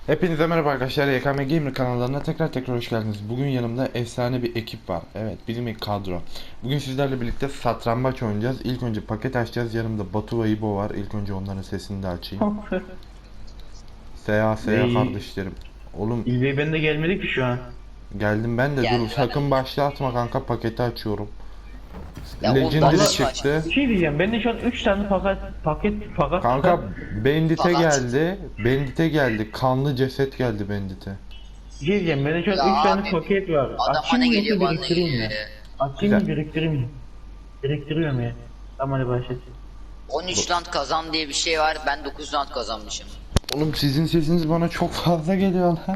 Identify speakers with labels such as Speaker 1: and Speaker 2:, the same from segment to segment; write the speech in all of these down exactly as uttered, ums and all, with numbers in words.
Speaker 1: Hepinize merhaba arkadaşlar, Y K M Gamer kanallarına tekrar tekrar hoş geldiniz. Bugün yanımda efsane bir ekip var. Evet, bizim ilk kadro. Bugün sizlerle birlikte satranç oynayacağız. İlk önce paket açacağız. Yanımda Batu ve İbo var. İlk önce onların sesini de açayım. Seya seya
Speaker 2: Bey,
Speaker 1: kardeşlerim. Oğlum
Speaker 2: İlbey ben de gelmedi ki şu an.
Speaker 1: geldim ben de,
Speaker 3: Geldi
Speaker 1: dur sakın başlatma kanka, paketi açıyorum.
Speaker 3: Ya
Speaker 1: Legendary
Speaker 3: ondan
Speaker 1: çıktı.
Speaker 2: Bir şey diyeceğim, ben de şu an üç tane paket paket paket
Speaker 1: Kanka Bandit'e
Speaker 3: Fakat-
Speaker 1: geldi. Bandit'e geldi. Kanlı ceset geldi Bandit'e.
Speaker 2: bir şey diyeceğim, ben de şu an
Speaker 3: Ya
Speaker 2: üç tane
Speaker 3: abi,
Speaker 2: paket var.
Speaker 3: Adam
Speaker 2: Açayım
Speaker 3: bana
Speaker 2: mı
Speaker 3: geliyor
Speaker 2: yoksa
Speaker 3: bana
Speaker 2: biriktireyim mi?
Speaker 3: geliyor.
Speaker 2: Açayım mı
Speaker 1: Güzel.
Speaker 2: biriktireyim mi? Biriktiriyorum ya. Tamam hadi başlayalım.
Speaker 3: on üç round kazan diye bir şey var. Ben dokuz round kazanmışım.
Speaker 1: Oğlum sizin sesiniz bana çok fazla geliyor lan.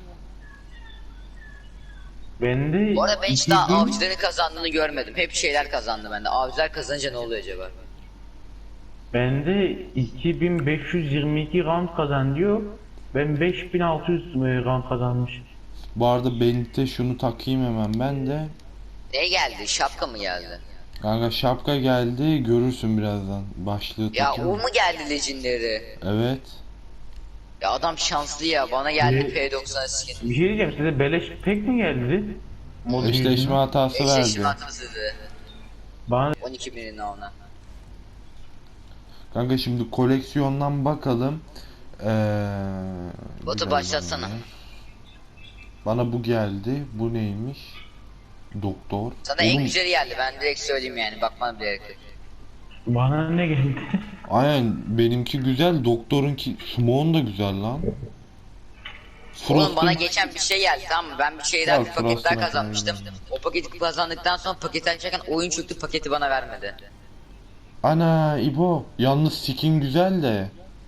Speaker 2: Ben de
Speaker 3: Bu arada ben hiç
Speaker 2: iki
Speaker 3: daha
Speaker 2: bin-
Speaker 3: avcıların kazandığını görmedim. Hep şeyler kazandı bende. Avcılar kazanınca ne oluyor acaba?
Speaker 2: Ben de iki bin beş yüz yirmi iki round kazan diyor. Ben beş bin altı yüz round kazanmışım.
Speaker 1: Bu arada Bandit'e şunu takayım hemen ben de.
Speaker 3: Ne geldi? Şapka mı geldi?
Speaker 1: Kanka şapka geldi, görürsün birazdan. Başlığı
Speaker 3: Ya
Speaker 1: takayım.
Speaker 3: o mu geldi Legendary?
Speaker 1: Evet.
Speaker 3: Ya adam şanslı ya. Bana geldi
Speaker 2: Ne?
Speaker 3: P doksan skin.
Speaker 2: Bir şey diyeceğim, size beleş pek mi geldi? Mod
Speaker 1: Eşleşme
Speaker 2: yüzünden.
Speaker 1: hatası
Speaker 3: Eşleşme
Speaker 1: verdi.
Speaker 3: hatası.
Speaker 2: Bana
Speaker 3: on iki birini ona.
Speaker 1: Kanka şimdi koleksiyondan bakalım. Ee,
Speaker 3: Batu
Speaker 1: bir
Speaker 3: başlatsana.
Speaker 1: dakika. Bana bu geldi. Bu neymiş? Doktor.
Speaker 3: Sana en
Speaker 1: Oğlum,
Speaker 3: güzeli geldi. Ben direkt söyleyeyim yani. Bakmam bile gerek yok.
Speaker 2: bana ne geldi?
Speaker 1: aynen benimki güzel. Doktorunki Smon da güzel lan.
Speaker 3: Oğlum bana
Speaker 1: Frost'un-
Speaker 3: geçen bir şey geldi, tamam mı? Ben bir şeyden
Speaker 1: Ya,
Speaker 3: bir paket daha
Speaker 1: Frost'un
Speaker 3: kazanmıştım.
Speaker 1: efendim.
Speaker 3: O paketi kazandıktan sonra paketi açarken oyun çöktü, paketi bana vermedi.
Speaker 1: Ana İbo. Yalnız skin güzel de.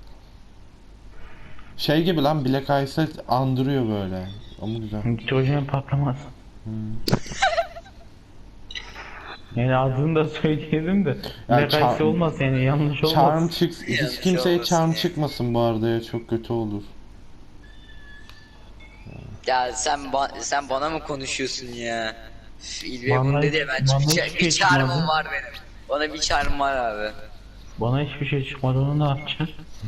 Speaker 1: Şey gibi lan, Black Ice'ı andırıyor böyle. Ama güzel.
Speaker 2: Çocuğun patlamaz.
Speaker 1: Hmm.
Speaker 2: Yani adını da söyleyelim de.
Speaker 1: Ya
Speaker 2: Ne
Speaker 1: çar-
Speaker 2: kayısı olmaz yani, yanlış olmaz.
Speaker 1: Charm çık hiç
Speaker 3: Yanlış
Speaker 1: kimseye
Speaker 3: olmasın
Speaker 1: charm
Speaker 3: ya.
Speaker 1: çıkmasın bu arada ya, çok kötü olur.
Speaker 3: Ya sen ba- sen bana mı konuşuyorsun ya? Üf, İlbe
Speaker 2: Bana-
Speaker 3: bunu dedi ya, ben
Speaker 2: bana
Speaker 3: bir,
Speaker 2: hiç
Speaker 3: ça- bir
Speaker 2: şey
Speaker 3: çağrımım
Speaker 2: çıkmadı.
Speaker 3: var benim. Bana bir çağrım var abi.
Speaker 2: Bana hiçbir şey çıkmadı, onu ne yapacağız?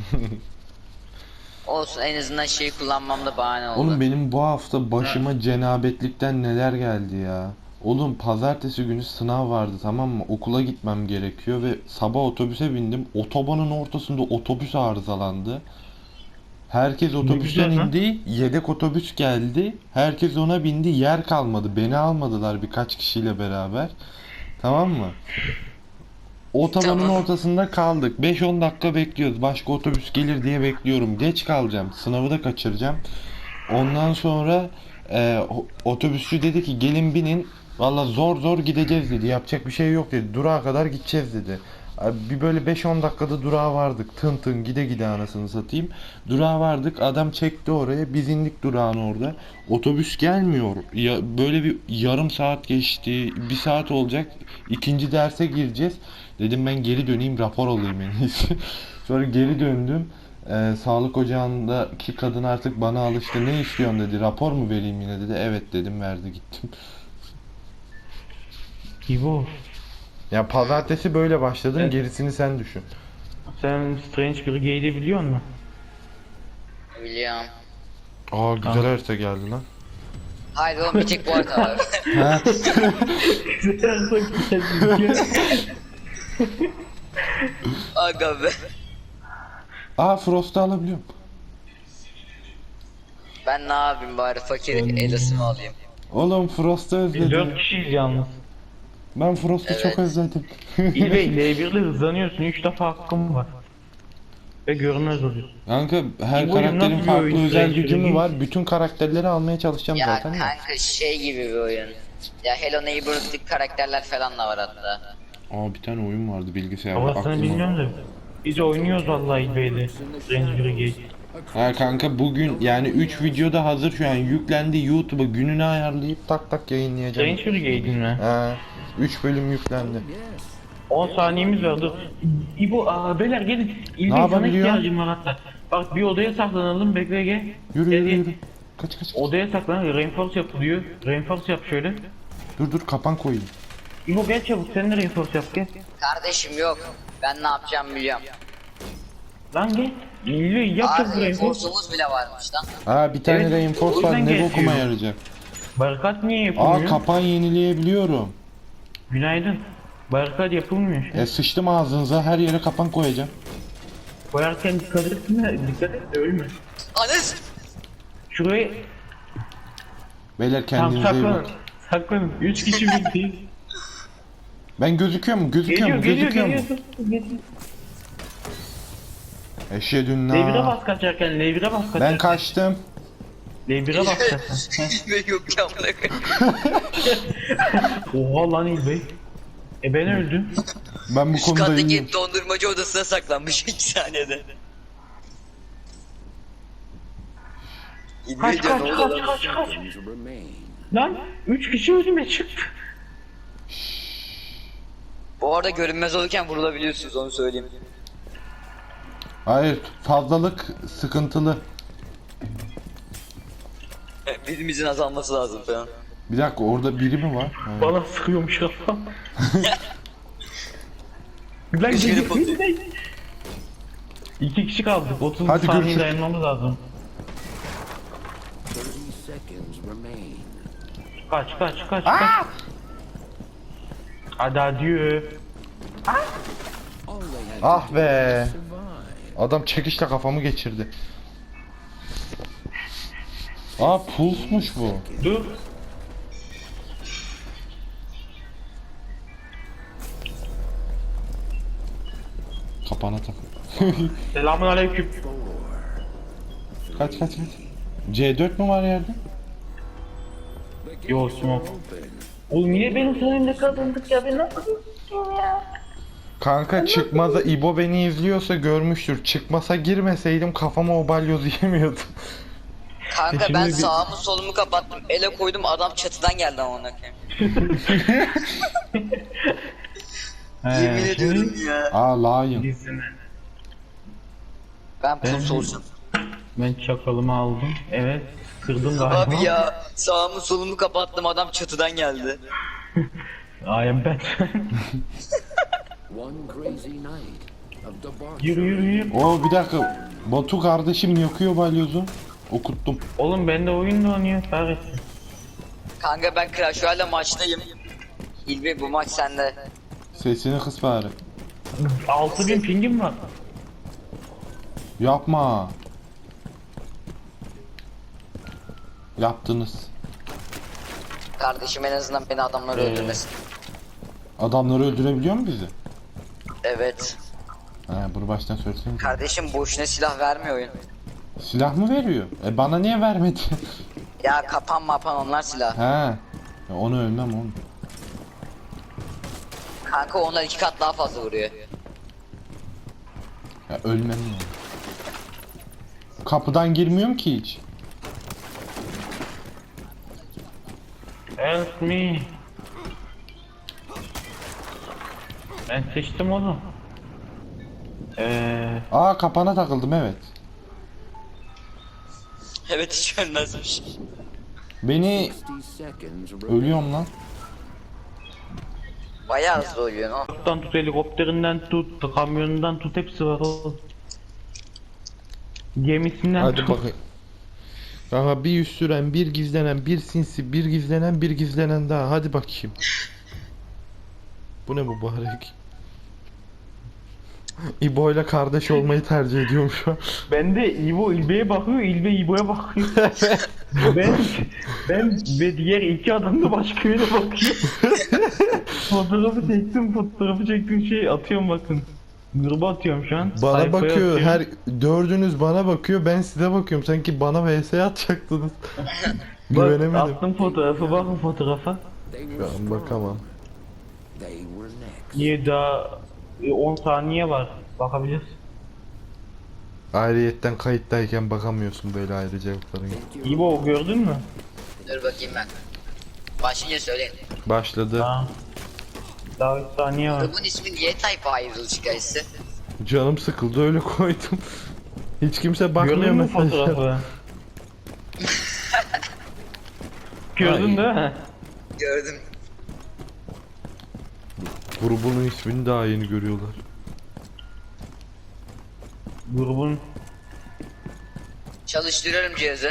Speaker 3: Olsun, en azından şeyi kullanmamda bahane oldu.
Speaker 1: Oğlum benim bu hafta başıma cenabetlikten neler geldi ya. Oğlum pazartesi günü sınav vardı, tamam mı? Okula gitmem gerekiyor ve sabah otobüse bindim. Otobanın ortasında otobüs arızalandı. Herkes otobüsten
Speaker 2: güzel lan.
Speaker 1: indi. Yedek otobüs geldi. Herkes ona bindi. Yer kalmadı. Beni almadılar birkaç kişiyle beraber. Tamam mı? Otobanın
Speaker 3: Tamam.
Speaker 1: ortasında kaldık. beş on dakika bekliyoruz. Başka otobüs gelir diye bekliyorum. Geç kalacağım. Sınavı da kaçıracağım. Ondan sonra e, o- otobüsçü dedi ki gelin binin. Valla zor zor gideceğiz dedi. Yapacak bir şey yok dedi. Durağa kadar gideceğiz dedi. Abi bir böyle beş on dakikada durağa vardık. Tın tın gide gide anasını satayım. Durağa vardık. Adam çekti oraya. Biz indik durağın orada. Otobüs gelmiyor. Ya böyle bir yarım saat geçti. Bir saat olacak. İkinci derse gireceğiz. Dedim ben geri döneyim, rapor alayım en iyisi. Sonra geri döndüm. Ee, sağlık ocağındaki kadın artık bana alıştı. Ne istiyorsun dedi. Rapor mu vereyim yine dedi. Evet dedim, verdi gittim.
Speaker 2: İbo,
Speaker 1: Ya pazartesi böyle başladım.
Speaker 2: Evet.
Speaker 1: Gerisini sen düşün.
Speaker 2: sen Strange Brigade'i biliyor musun?
Speaker 3: Biliyorum.
Speaker 1: Aa güzel harita geldi lan.
Speaker 3: Hayır oğlum, bir tek bu arada var.
Speaker 1: Ha.
Speaker 3: Aga be.
Speaker 1: Aa Frost'u alabiliyorum.
Speaker 3: Ben ne yapayım bari, fakir elasımı alayım.
Speaker 1: Oğlum Frost'u
Speaker 2: Biz dört
Speaker 1: özledim.
Speaker 2: kişiyiz yalnız.
Speaker 1: Ben Frost'u
Speaker 3: Evet.
Speaker 1: çok özledim.
Speaker 2: İlbey L bir ile hızlanıyorsun, üç defa hakkım var. Ve görünmez oluyorsun.
Speaker 1: Kanka her
Speaker 2: Bu oyun
Speaker 1: karakterin
Speaker 2: nasıl bir
Speaker 1: farklı
Speaker 2: oyun
Speaker 1: özel
Speaker 2: Strange
Speaker 1: gücü mü
Speaker 2: Brigade?
Speaker 1: var? Bütün karakterleri almaya çalışacağım
Speaker 3: Ya
Speaker 1: zaten de.
Speaker 3: kanka şey gibi bir oyun. Ya Hello Neighborhood'daki karakterler falan da var hatta.
Speaker 1: Aa bir tane oyun vardı bilgisayarda.
Speaker 2: Havasını
Speaker 1: aklıma-
Speaker 2: bilmiyorum da. Biz oynuyoruz vallahi İlbey'le. Strange Brigade.
Speaker 1: Ha kanka bugün yani üç videoda hazır şu an yüklendi, YouTube'a gününü ayarlayıp tak tak yayınlayacağım.
Speaker 2: Strange Brigade'in mi?
Speaker 1: Ha üç bölüm yüklendi.
Speaker 2: on saniyemiz var, dur. İbo, aa, beyler gelin. İlbey sana
Speaker 1: yapabiliyor?
Speaker 2: ihtiyacım var hatta. Bak bir odaya saklanalım, bekle gel.
Speaker 1: Yürü
Speaker 2: Gel,
Speaker 1: yürü
Speaker 2: gel.
Speaker 1: yürü. Kaç kaç kaç.
Speaker 2: Odaya saklan, reinforce yapılıyor. Reinforce yap şöyle.
Speaker 1: Dur dur kapan koyayım.
Speaker 2: İbo gel çabuk, sen de reinforce yap gel.
Speaker 3: Kardeşim yok. Ben ne yapacağımı biliyorum.
Speaker 2: Lan gel. İyi yapacağız
Speaker 3: Aa
Speaker 2: burayı.
Speaker 3: reinforce'umuz bile varmış lan.
Speaker 1: Aa bir tane
Speaker 2: Evet,
Speaker 1: reinforce
Speaker 2: o
Speaker 1: var,
Speaker 2: yüzden
Speaker 1: ne
Speaker 2: gerekiyor.
Speaker 1: bokuma yarayacak.
Speaker 2: Barikat niye
Speaker 1: Aa
Speaker 2: yapılmıyor?
Speaker 1: kapan yenileyebiliyorum.
Speaker 2: Günaydın. Barikat yapılmıyor şu an.
Speaker 1: E sıçtım ağzınıza, her yere kapan koyacağım.
Speaker 2: Koyarken dikkat etme, dikkat et de ölme.
Speaker 3: Anas!
Speaker 2: Şurayı
Speaker 1: Beyler
Speaker 2: tam
Speaker 1: kendinize iyi
Speaker 2: saklanın.
Speaker 1: bakın.
Speaker 2: Saklanın. Üç kişi birlikteyiz.
Speaker 1: Ben gözüküyor mu? Gözüküyor
Speaker 2: Geliyor,
Speaker 1: mu?
Speaker 2: geliyor,
Speaker 1: Gözüküyor
Speaker 2: geliyor.
Speaker 1: mu?
Speaker 2: geliyor.
Speaker 1: Eşhedün
Speaker 2: L bire
Speaker 1: na.
Speaker 2: bas kaçarken, L bire bas kaçarken.
Speaker 1: Ben kaçtım.
Speaker 2: L bire bas kaçarken.
Speaker 3: Ve yok ya amına koyayım.
Speaker 2: Oha lan İlbey. E ben öldüm.
Speaker 1: Ben bu
Speaker 3: Üst
Speaker 1: konuda iyiyim.
Speaker 3: kattaki dondurmacı odasına saklanmış iki saniyede.
Speaker 2: Kaç
Speaker 3: İlmi diyor
Speaker 2: kaç
Speaker 3: ne
Speaker 2: kaç
Speaker 3: oluyor lan?
Speaker 2: kaç kaç. Lan üç kişi önüme çıktı.
Speaker 3: Bu arada görünmez olurken vurulabiliyorsunuz onu söyleyeyim.
Speaker 1: Hayır, fazlalık sıkıntılı.
Speaker 3: Birimizin azalması lazım falan.
Speaker 1: Bir dakika, orada biri mi var? Ha.
Speaker 2: Bana sıkıyormuş kafam. Lan
Speaker 3: Üç
Speaker 2: geliyor,
Speaker 3: kere
Speaker 2: geliyor. İki kişi kaldık. otuz
Speaker 1: Hadi
Speaker 2: saniye
Speaker 1: görüşürüz.
Speaker 2: dayanmamız lazım. Kaç kaç kaç kaç. Hadi adieu.
Speaker 1: Ah be. Adam çekişle kafamı geçirdi. Aa pulsmuş bu.
Speaker 2: Dur.
Speaker 1: Kapana tak.
Speaker 2: Selamun aleyküm.
Speaker 1: Kaç kaç kaç. C dört mü var yerde?
Speaker 2: Yo smoke. Oğlum niye benim sayemde kazandık ya, ben nasıl ya?
Speaker 1: Kanka çıkmaza İbo beni izliyorsa görmüştür. Çıkmasa girmeseydim kafama o balyozu yemiyordum.
Speaker 3: Kanka
Speaker 2: Şimdi
Speaker 3: ben
Speaker 2: bir-
Speaker 3: sağımı solumu kapattım. Ele koydum adam çatıdan geldi amına koyayım. Yemin
Speaker 2: He,
Speaker 3: ediyorum ya.
Speaker 1: Aa lion.
Speaker 2: Gizleme.
Speaker 3: Ben
Speaker 2: Ben-
Speaker 3: puls olsun.
Speaker 2: Ben çakalımı aldım. Evet. Kırdım galiba.
Speaker 3: Abi ya sağımı solumu kapattım adam çatıdan geldi.
Speaker 2: I am Batman.
Speaker 4: One crazy night of debauchery.
Speaker 2: Yürü yürü yürü.
Speaker 1: Oo bir dakika. Batu kardeşim yakıyor balyozu. Okuttum.
Speaker 2: Oğlum bende oyun da oynuyor. Kahretsin.
Speaker 3: Kanka ben Clash Royale maçtayım. İlbi bu maç sende.
Speaker 1: Sesini kıs bari.
Speaker 2: altı bin pingim var.
Speaker 1: Yapma. Yaptınız.
Speaker 3: Kardeşim en azından beni adamlar
Speaker 2: Ee.
Speaker 3: öldürmesin.
Speaker 1: Adamları öldürebiliyor mu bizi?
Speaker 3: Evet.
Speaker 1: Ha, bunu baştan söylesene.
Speaker 3: Kardeşim boşuna silah vermiyor oyun.
Speaker 1: Silah mı veriyor? E bana niye vermedi?
Speaker 3: Ya kapan mapan onlar silah.
Speaker 1: He. Ya onu ölmem oğlum.
Speaker 3: Kanka onlar iki kat daha fazla vuruyor.
Speaker 1: Ya ölmem ya. Kapıdan girmiyorum ki hiç.
Speaker 2: Help me. Ben seçtim onu. Eee
Speaker 1: Aa kapana takıldım evet.
Speaker 3: Evet hiç ölmezmiş.
Speaker 1: Beni
Speaker 4: sixty seconds remain.
Speaker 1: ölüyorum lan.
Speaker 3: Bayağı hızlı oluyor no.
Speaker 2: Uçaktan tut, helikopterinden tut, kamyonundan tut, hepsi var oğlum. Gemisinden
Speaker 1: Hadi
Speaker 2: tut.
Speaker 1: bakayım. Aha bir yüz süren, bir gizlenen, bir sinsi, bir gizlenen, bir gizlenen daha. Hadi bakayım. Bu ne mübarek? İbo ile kardeş olmayı tercih ediyorum şu an.
Speaker 2: Ben de İbo İlbe'ye bakıyor, İlbe İbo'ya bakıyor. ben ben ve diğer iki adam da başka yere bakıyor. Fotoğrafı çektim, fotoğrafı çektim şey atıyorum bakın. Gruba atıyorum şu an.
Speaker 1: Bana
Speaker 2: sayfaya
Speaker 1: bakıyor,
Speaker 2: atıyorum.
Speaker 1: her dördünüz bana bakıyor, ben size bakıyorum. Sanki bana V S atacaktınız.
Speaker 2: Bak,
Speaker 1: Güvenemedim.
Speaker 2: attım fotoğrafı, bakın fotoğrafa.
Speaker 4: They
Speaker 1: Şu
Speaker 4: were
Speaker 1: an
Speaker 4: strong.
Speaker 1: bakamam.
Speaker 4: They were next.
Speaker 2: Niye daha e, on saniye var, bakabiliriz.
Speaker 1: Ayrıyetten kayıttayken bakamıyorsun böyle ayrıcalıkların.
Speaker 2: İbo gördün mü?
Speaker 3: Dur bakayım ben. Başlayınca söyleyin.
Speaker 1: Başladı.
Speaker 2: Ha. Daha üç saniye var.
Speaker 3: Grubun ismi niye Type ayrıldı çıkayısı?
Speaker 1: Canım sıkıldı öyle koydum. Hiç kimse bakmıyor
Speaker 2: Gördün mü
Speaker 1: mesela.
Speaker 2: fotoğrafı? Gördün değil mi?
Speaker 3: Gördüm.
Speaker 1: Grubunun ismini daha yeni görüyorlar.
Speaker 2: Grubun
Speaker 3: Çalıştırıyorum cihazı.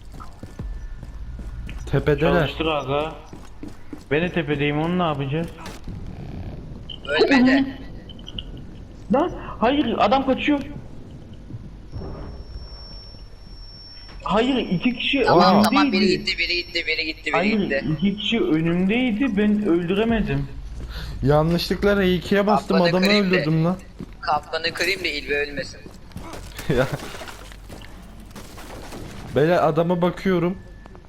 Speaker 1: Tepedeler.
Speaker 2: çalıştır aga. Ben de tepedeyim, onu ne yapacağız?
Speaker 3: Ölmedi.
Speaker 2: Lan hayır, adam kaçıyor. Hayır, iki kişi
Speaker 3: Tamam
Speaker 2: önümdeydi.
Speaker 3: tamam, biri gitti biri gitti biri gitti biri
Speaker 2: Hayır,
Speaker 3: gitti.
Speaker 2: iki kişi önümdeydi, ben öldüremedim.
Speaker 1: Yanlışlıkla R iki'ye bastım,
Speaker 3: Ablanı
Speaker 1: adamı
Speaker 3: kırayım da.
Speaker 1: öldürdüm lan.
Speaker 3: Kapkanı kırayım da İlbe ölmesin.
Speaker 1: Ya. Böyle adama bakıyorum.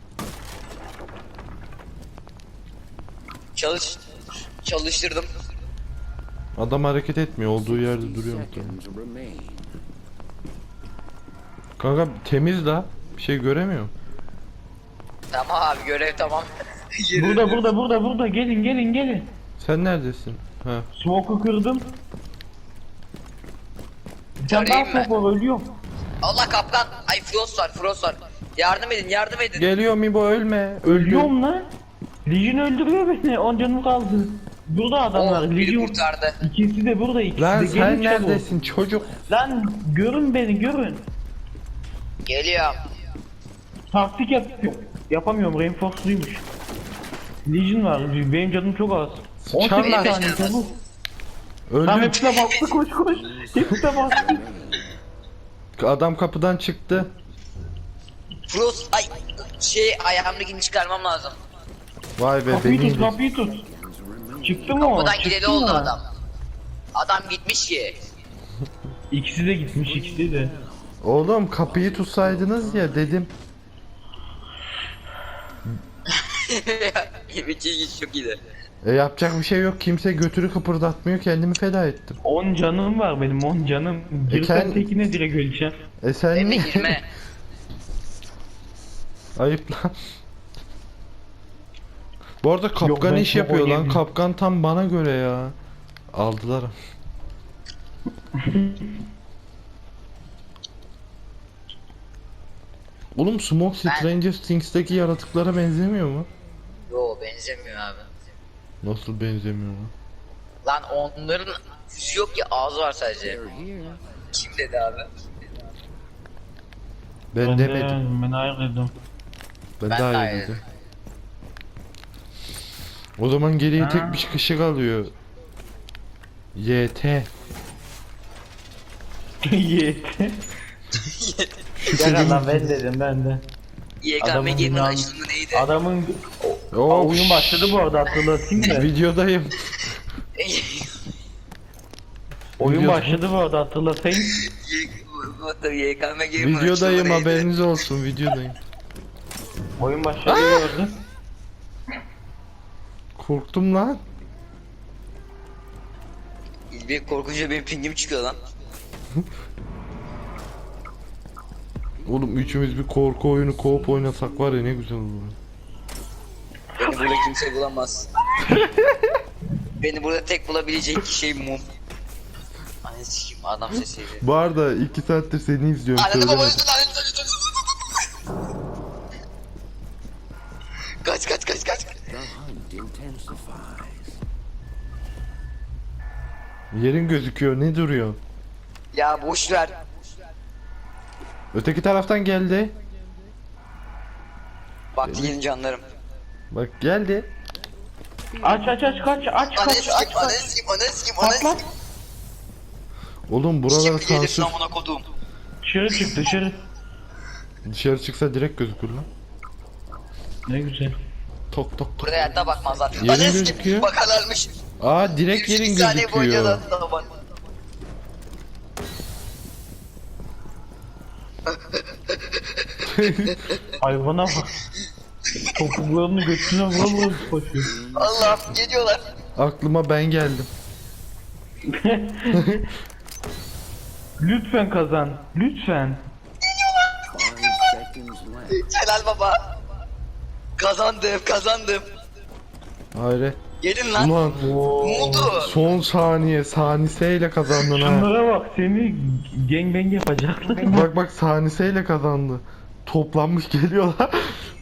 Speaker 3: Çalış çalıştırdım.
Speaker 1: Adam hareket etmiyor, olduğu yerde
Speaker 4: Fifty
Speaker 1: duruyor.
Speaker 4: seconds remain.
Speaker 1: Kanka temiz la. Bir şey göremiyorum.
Speaker 3: Tamam abi, görev tamam. Yürü.
Speaker 2: Burada burada burada burada, gelin gelin gelin.
Speaker 1: Sen neredesin? Ha.
Speaker 2: Smoke'u kırdım. Bir tane daha
Speaker 3: Göreyim mi?
Speaker 2: smoke var, ölüyorum.
Speaker 3: Allah kapkan. Ay Frost var Frost var. Yardım edin yardım edin.
Speaker 1: Geliyor Mibo, ölme. Öldü.
Speaker 2: Ölüyorum lan. Legion öldürüyor beni, on canım kaldı. Burada adamlar,
Speaker 3: Oh, biri
Speaker 2: Legion.
Speaker 3: kurtardı.
Speaker 2: İkisi de burada, ikisi
Speaker 1: Lan
Speaker 2: de
Speaker 1: sen
Speaker 2: gelin çabuk.
Speaker 1: neredesin çocuk?
Speaker 2: Lan görün beni, görün.
Speaker 3: Geliyor.
Speaker 2: Taktik yapıyorum. Yapamıyorum, reinforceluymuş. Legion var, benim canım çok az. on sekiz
Speaker 1: Sıçarlar.
Speaker 2: tane çabuk. Tam
Speaker 1: Öldü.
Speaker 2: hepsine bastı, koş koş. Hepsine bastı.
Speaker 1: Adam kapıdan çıktı.
Speaker 3: Frost ay şey ayağımdakini çıkarmam lazım.
Speaker 1: Vay be,
Speaker 2: Kapıyı
Speaker 1: beni
Speaker 2: tut,
Speaker 1: indi.
Speaker 2: kapıyı tut. Çıktı mı o?
Speaker 3: Buradan
Speaker 2: Çıktı
Speaker 3: gideli
Speaker 2: mı?
Speaker 3: oldu adam. Adam gitmiş ki.
Speaker 2: İkisi de gitmiş, ikisi de.
Speaker 1: Oğlum kapıyı tutsaydınız ya dedim.
Speaker 3: Yemek ilginç çok iyiydi.
Speaker 1: E yapacak bir şey yok. Kimse götürü kıpırdatmıyor. Kendimi feda ettim.
Speaker 2: on canım var benim, on canım. Girsem
Speaker 1: kend-
Speaker 2: tekine direkt öleceğim.
Speaker 1: E sen
Speaker 3: Emre
Speaker 1: niye?
Speaker 3: girme.
Speaker 1: Ayıp lan. Bu arada kapkan
Speaker 2: ben
Speaker 1: iş
Speaker 2: çok
Speaker 1: yapıyor lan.
Speaker 2: oynayayım.
Speaker 1: Kapkan tam bana göre ya. Aldılar. Oğlum Smoke
Speaker 3: Ben-
Speaker 1: Stranger Things'teki yaratıklara benzemiyor mu?
Speaker 3: Yo benzemiyor abi.
Speaker 1: Nasıl benzemiyor lan?
Speaker 3: Lan onların yüzü yok ki, ağzı var sadece.
Speaker 4: They're here.
Speaker 3: Kim dedi abi?
Speaker 1: Ben,
Speaker 2: Ben de-
Speaker 1: demedim.
Speaker 2: Ben hayır dedim.
Speaker 1: Ben,
Speaker 3: Ben
Speaker 1: daha
Speaker 3: daha
Speaker 1: iyi
Speaker 3: iyi
Speaker 1: dedim. O zaman geriye
Speaker 2: Ha.
Speaker 1: tek bir kişi kalıyor. Y T.
Speaker 2: Yeter. Ya lan ben dedim, ben de.
Speaker 3: Y K M
Speaker 2: Adamın
Speaker 3: Gamer
Speaker 2: dünyanın-
Speaker 3: açılımı neydi?
Speaker 2: Adamın Aa,
Speaker 1: Oh,
Speaker 2: oyun başladı bu arada, hatırlatayım da.
Speaker 1: Videodayım.
Speaker 2: Oyun
Speaker 1: Video-
Speaker 2: başladı bu arada, hatırlatayım.
Speaker 3: Y K M Gamer
Speaker 1: Videodayım,
Speaker 3: açılımı neydi?
Speaker 1: haberiniz olsun, videodayım.
Speaker 2: Oyun başladı bu arada.
Speaker 1: Korktum lan.
Speaker 3: Bir korkunca benim pingim çıkıyor lan.
Speaker 1: Oğlum üçümüz bir korku oyunu co-op oynasak var ya, ne güzel olur.
Speaker 3: Beni burada kimse bulamaz. Beni burada tek bulabilecek şey mum. Anne sikeyim, adam sesiydi.
Speaker 1: Bu arada iki saattir seni izliyorum,
Speaker 3: Anne baba
Speaker 1: söylemedim.
Speaker 3: üstüne anne üstüne Kaç kaç kaç kaç.
Speaker 4: The hunt intensifies.
Speaker 1: Yerin gözüküyor, ne duruyor?
Speaker 3: Ya boş ver.
Speaker 1: Öteki taraftan geldi.
Speaker 3: Bak gelin canlarım.
Speaker 1: Bak geldi.
Speaker 2: Aç aç aç kaç, aç
Speaker 3: Anne
Speaker 2: kaç,
Speaker 3: sikeyim
Speaker 2: aç
Speaker 3: anne
Speaker 2: kaç.
Speaker 3: sikeyim anne sikeyim anne
Speaker 2: Patlat.
Speaker 3: sikeyim.
Speaker 1: Oğlum buralar
Speaker 3: Kim gelir
Speaker 1: sansür.
Speaker 3: namına kodum.
Speaker 2: Dışarı çık, dışarı.
Speaker 1: Dışarı çıksa direkt gözükür lan.
Speaker 2: Ne güzel.
Speaker 1: Tok tok tok.
Speaker 3: Buraya hayatta bakmazlar.
Speaker 1: Yerin
Speaker 3: Anne
Speaker 1: gözüküyor.
Speaker 3: sikeyim bakarlarmış.
Speaker 1: Aa direkt yerin
Speaker 3: Bir saniye boyunca
Speaker 1: gözüküyor.
Speaker 3: da bak.
Speaker 2: Hayvana bak. Topuklarını götüne vura vura koşuyor.
Speaker 3: Allah'ım geliyorlar.
Speaker 1: Aklıma ben geldim.
Speaker 2: Lütfen kazan, lütfen.
Speaker 4: Five seconds left.
Speaker 3: Celal baba. Kazandım kazandım.
Speaker 1: Hayret.
Speaker 3: Gelin lan.
Speaker 1: Ulan
Speaker 3: Ne oldu?
Speaker 1: son saniye saniseyle kazandın ha.
Speaker 2: Şunlara bak, seni gangbang yapacaklar.
Speaker 1: Bak bak saniseyle kazandı. Toplanmış geliyorlar.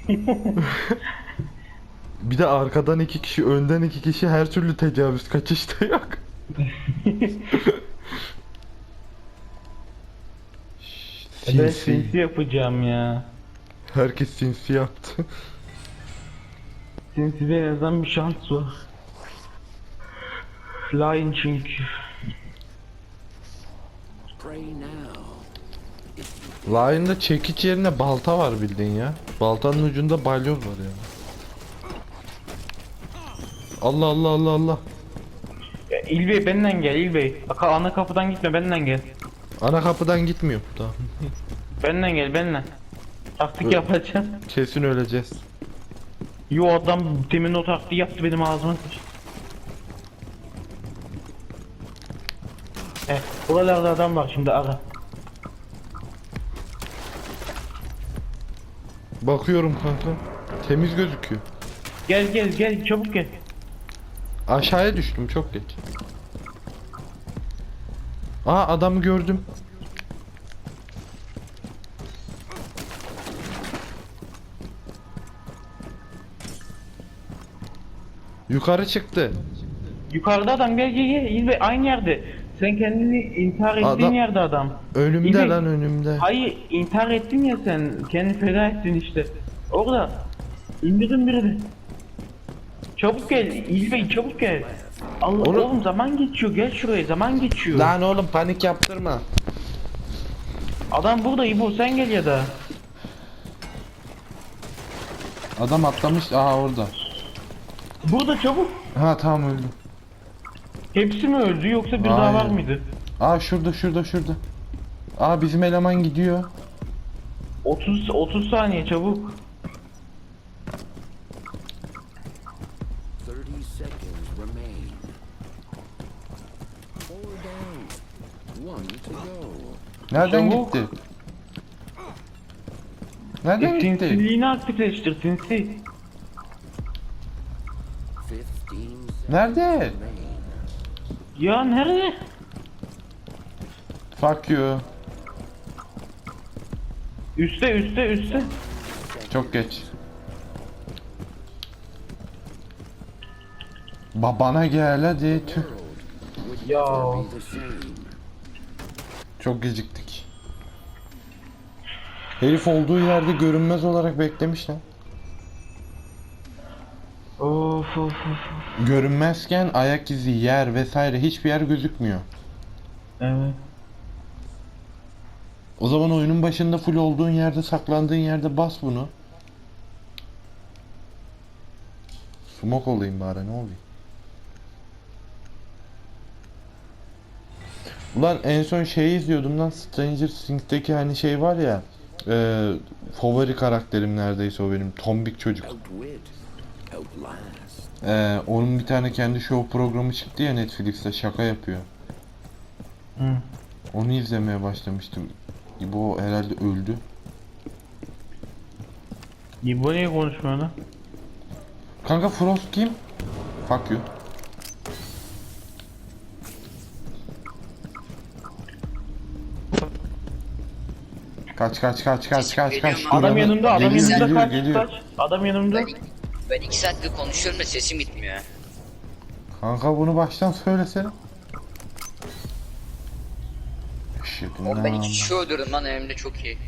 Speaker 1: Bir de arkadan iki kişi, önden iki kişi, her türlü tecavüz, kaçışta yok.
Speaker 2: Ben
Speaker 1: Sinsi.
Speaker 2: sinsi yapacağım ya.
Speaker 1: Herkes sinsi yaptı.
Speaker 2: Sinside en azından bir şans var. Lion çünkü.
Speaker 4: Pray now.
Speaker 1: Lion'da çekiç yerine balta var bildiğin ya. Baltanın ucunda balyoz var ya. Allah Allah Allah Allah.
Speaker 2: Ya, İlbey benden gel İlbey. Bak ana kapıdan gitme benden gel.
Speaker 1: Ana kapıdan gitmiyor. Tamam.
Speaker 2: Benden gel benden. Taktik
Speaker 1: Ö-
Speaker 2: yapacağım.
Speaker 1: Kesin öleceğiz.
Speaker 2: Yo adam demin o taktiği yaptı benim ağzıma sıçtı. Eh, buralarda adam var şimdi ara.
Speaker 1: Bakıyorum kanka. Temiz gözüküyor.
Speaker 2: Gel gel gel çabuk gel.
Speaker 1: Aşağıya düştüm çok geç. Aa adamı gördüm. Yukarı çıktı.
Speaker 2: Yukarıda adam gel gel gel İlbey aynı yerde. Sen kendini intihar ettiğin
Speaker 1: Adam-
Speaker 2: yerde adam.
Speaker 1: Önümde
Speaker 2: İlbey-
Speaker 1: lan önümde.
Speaker 2: Hayır intihar ettin ya sen. Kendini feda ettin işte. Orada. İndirin birini. Çabuk gel İlbey çabuk gel. Allah
Speaker 1: Onu-
Speaker 2: oğlum zaman geçiyor gel şuraya zaman geçiyor.
Speaker 1: Lan oğlum panik yaptırma.
Speaker 2: Adam burada İbo sen gel ya da.
Speaker 1: Adam atlamış. Aha orada.
Speaker 2: Burada çabuk.
Speaker 1: Ha tamam öldüm.
Speaker 2: Hepsi mi öldü yoksa bir daha
Speaker 1: Hayır.
Speaker 2: var mıydı?
Speaker 1: Aa şurada şurada şurada. Aa bizim eleman gidiyor.
Speaker 2: otuz otuz saniye çabuk.
Speaker 4: thirty seconds remain. Four down. One to go.
Speaker 1: Nereden
Speaker 2: Çabuk.
Speaker 1: gitti? Nereden gitti?
Speaker 2: Sinsiliğini aktifleştir sinsi.
Speaker 4: Fifteen seconds
Speaker 1: Nerede?
Speaker 4: remain.
Speaker 2: Ya nerede?
Speaker 1: Fuck you.
Speaker 2: Üste üste üste.
Speaker 1: Çok geç. Babana gel hadi. Tüh.
Speaker 4: Would
Speaker 2: Ya.
Speaker 4: never be the same.
Speaker 1: Çok geciktik. Herif olduğu yerde görünmez olarak beklemiş lan.
Speaker 2: Of of of.
Speaker 1: Görünmezken ayak izi, yer vesaire hiçbir yer gözükmüyor.
Speaker 2: Evet.
Speaker 1: O zaman oyunun başında full olduğun yerde, saklandığın yerde bas bunu. Smoke olayım bari ne oluyor? Ulan en son şeyi izliyordum lan, Stranger Things'teki hani şey var ya, e, favori karakterim neredeyse o benim, tombik çocuk.
Speaker 4: Outwit. Outlast.
Speaker 1: E, onun bir tane kendi show programı çıktı ya Netflix'te, şaka yapıyor.
Speaker 2: Hı.
Speaker 1: Onu izlemeye başlamıştım. Bu herhalde öldü.
Speaker 2: İbo niye konuşmuyor lan?
Speaker 1: Kanka Frost kim? Fuck you. Kaç kaç kaç kaç kaç kaç.
Speaker 3: Adam
Speaker 2: Adam
Speaker 1: Duran'ı-
Speaker 2: yanımda adam
Speaker 1: Geliyor,
Speaker 2: yanımda
Speaker 1: geliyor,
Speaker 2: kaç
Speaker 1: geliyor.
Speaker 2: kaç. Adam yanımda.
Speaker 3: Ben, ben iki saattir konuşuyorum da sesim gitmiyor.
Speaker 1: Kanka bunu baştan söylesene. Shit,
Speaker 3: Oğlum ben iki
Speaker 1: lan.
Speaker 3: kişi öldürdüm lan elimde çok iyi.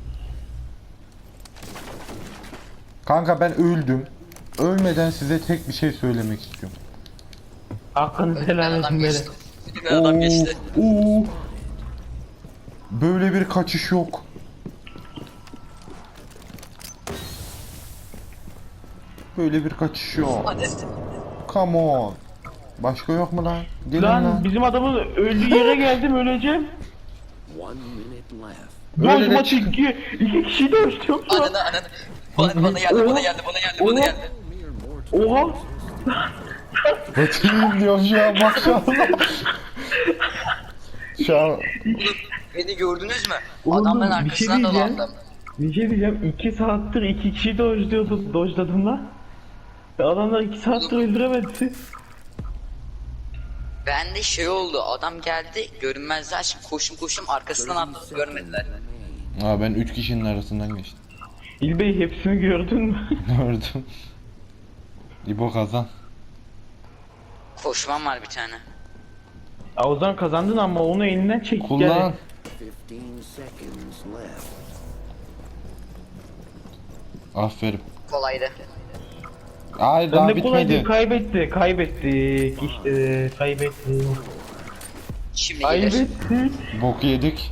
Speaker 1: Kanka ben öldüm. Ölmeden size tek bir şey söylemek istiyorum.
Speaker 2: Hakkınızı
Speaker 3: Önümden
Speaker 2: helal
Speaker 3: adam
Speaker 2: edin böyle.
Speaker 3: geçti. Önümden adam geçti.
Speaker 1: Oo. Böyle bir kaçış yok. Böyle bir kaçış yok.
Speaker 3: Hadi.
Speaker 1: Come on. Başka yok mu lan? Gelin lan.
Speaker 2: Lan bizim adamın öldüğü yere geldim öleceğim.
Speaker 4: One minute left.
Speaker 1: Öyle de
Speaker 2: Boz maç
Speaker 1: çıkın.
Speaker 2: iki, iki kişi de ölçtüm şu an.
Speaker 3: Ananı ananı. Bana, bana geldi bana geldi bana geldi bana geldi.
Speaker 4: Mere mortal.
Speaker 2: Oha.
Speaker 1: Batayım diyorum şu an maşallah. Şu an
Speaker 3: Oğlum beni gördünüz mü?
Speaker 2: Oğlum,
Speaker 3: Adamların
Speaker 2: bir şey
Speaker 3: arkasından
Speaker 2: diyeceğim.
Speaker 3: dolandım.
Speaker 2: Bir şey diyeceğim. iki saattir iki kişi dojluyordu, dojladım lan. Ve adamlar iki saattir öldüremedi.
Speaker 3: Ben de şey oldu adam geldi görünmezler şimdi koşum koşum arkasından atladım görmediler.
Speaker 1: Aa, ben üç kişinin arasından geçtim.
Speaker 2: İlbey hepsini gördün mü?
Speaker 1: Gördüm. İbo kazan.
Speaker 3: Koşmam var bir tane.
Speaker 2: Ya o zaman kazandın ama onu elinden çek.
Speaker 1: Kullan.
Speaker 4: Fifteen seconds left.
Speaker 1: Aferin.
Speaker 3: Kolaydı.
Speaker 1: Hayır
Speaker 2: Ben
Speaker 1: daha
Speaker 2: de kolay değil,
Speaker 1: bitmedi.
Speaker 2: kaybetti, kaybettik işte, kaybettik.
Speaker 3: Şimdi gelir.
Speaker 2: Kaybettik.
Speaker 1: Bok yedik.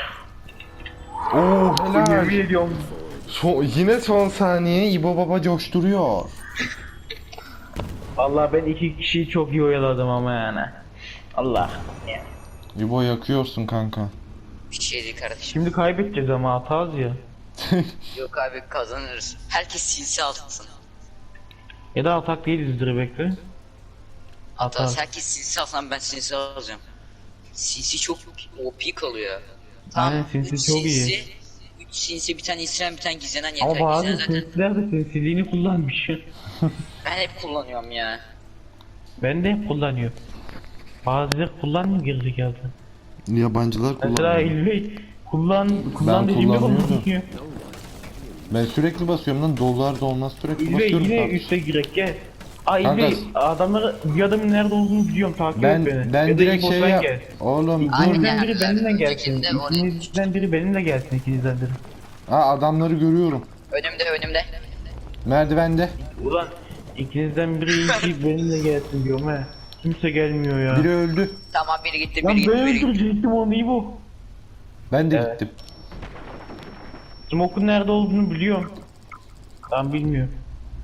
Speaker 1: Oo helal.
Speaker 2: Yemin ediyorum.
Speaker 1: Son, yine son saniye İbo Baba coşturuyor.
Speaker 2: Vallahi ben iki kişiyi çok iyi oyaladım ama yani. Allah.
Speaker 1: İbo yakıyorsun kanka.
Speaker 3: Bir şey değil kardeşim.
Speaker 2: Şimdi kaybedeceğiz ama hataz ya.
Speaker 3: Yok abi kazanırız. Herkes sinsi alsın.
Speaker 2: Ya da atak değilizdir bekle.
Speaker 3: Hatta
Speaker 2: Atar.
Speaker 3: herkes sinsi alsın, ben sinsi alacağım. Sinsi çok O P kalıyor.
Speaker 2: Aynen, sinsi
Speaker 3: üç
Speaker 2: çok iyi.
Speaker 3: sinsi, üç sinsi, bir tane isyan, bir tane gizlenen yeter.
Speaker 2: Ama bazı
Speaker 3: Gizlenen zaten
Speaker 2: sinsiler de sinsiliğini kullanmış.
Speaker 3: ben hep kullanıyorum ya.
Speaker 2: Ben de hep kullanıyorum. Bazıları kullanmıyor gerizekalı.
Speaker 1: Yabancılar
Speaker 2: Mesela
Speaker 1: kullanıyor.
Speaker 2: İlbey kullan kullan
Speaker 1: Ben
Speaker 2: dediğimde
Speaker 1: kullanıyordum.
Speaker 2: kullanıyor.
Speaker 1: Ben sürekli basıyorum lan, dolar da olmaz, sürekli
Speaker 2: İlbey
Speaker 1: basıyorum.
Speaker 2: yine
Speaker 1: kanka.
Speaker 2: üste girek gel. Aa
Speaker 1: Kanka,
Speaker 2: İlbey adamları, bir adamın nerede olduğunu biliyorum, takip
Speaker 1: Ben
Speaker 2: et beni.
Speaker 1: ben
Speaker 2: Ya da
Speaker 1: direkt
Speaker 2: İbo
Speaker 1: şey
Speaker 2: sen
Speaker 1: yap.
Speaker 2: gel.
Speaker 1: Oğlum dur.
Speaker 3: Aynen.
Speaker 2: İkinizden biri benimle gelsin.
Speaker 3: Ötekinde oraya-
Speaker 2: İkinizden biri benimle gelsin, ikinizden biri.
Speaker 1: Ha, adamları görüyorum.
Speaker 3: Önümde önümde.
Speaker 1: Merdivende.
Speaker 2: Ulan ikinizden biri iyi ki benimle gelsin diyorum he. Kimse gelmiyor ya.
Speaker 1: Biri öldü.
Speaker 3: Tamam biri gitti,
Speaker 2: Lan
Speaker 3: biri gitti,
Speaker 2: ben
Speaker 3: biri gitti.
Speaker 2: öldürecektim onu İbo.
Speaker 1: Ben de
Speaker 2: Evet.
Speaker 1: gittim.
Speaker 2: Smoke'un nerede olduğunu biliyorum. Ben bilmiyorum.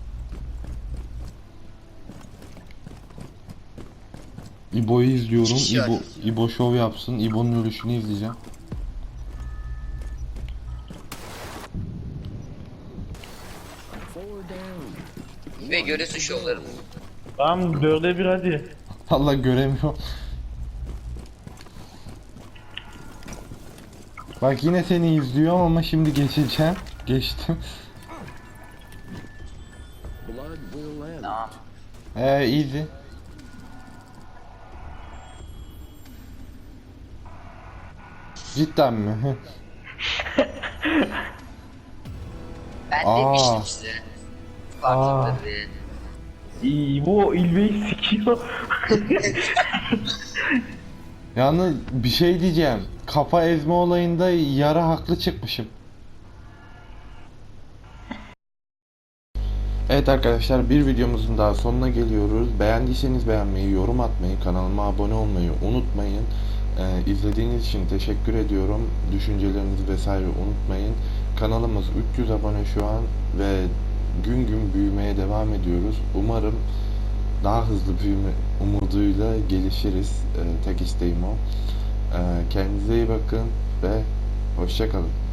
Speaker 1: İbo'yu izliyorum.
Speaker 3: İki kişi var.
Speaker 1: İbo, İbo şov yapsın. İbo'nun ölüşünü izleyeceğim.
Speaker 4: Four down.
Speaker 3: Ve görürsün şovlarını.
Speaker 2: Tamam dörde bir hadi.
Speaker 1: Allah göremiyor. Bak yine seni izliyorum ama şimdi geçeceğim. Geçtim.
Speaker 4: Blood will end.
Speaker 3: Tamam.
Speaker 1: Ee easy. Cidden mi? Hı.
Speaker 3: Ben
Speaker 1: Aa.
Speaker 3: demiştim size. Farklıdır diye.
Speaker 2: İbo İlbey'i sikiyor.
Speaker 1: Yalnız bir şey diyeceğim. Kafa ezme olayında yarı haklı çıkmışım. Evet arkadaşlar, bir videomuzun daha sonuna geliyoruz. Beğendiyseniz beğenmeyi, yorum atmayı, kanalıma abone olmayı unutmayın. Ee, izlediğiniz için teşekkür ediyorum. Düşüncelerinizi vesaire unutmayın. Kanalımız üç yüz abone şu an ve gün gün büyümeye devam ediyoruz. Umarım daha hızlı büyüme umuduyla gelişiriz. Ee, tek isteğim o. Ee, kendinize iyi bakın ve hoşça kalın.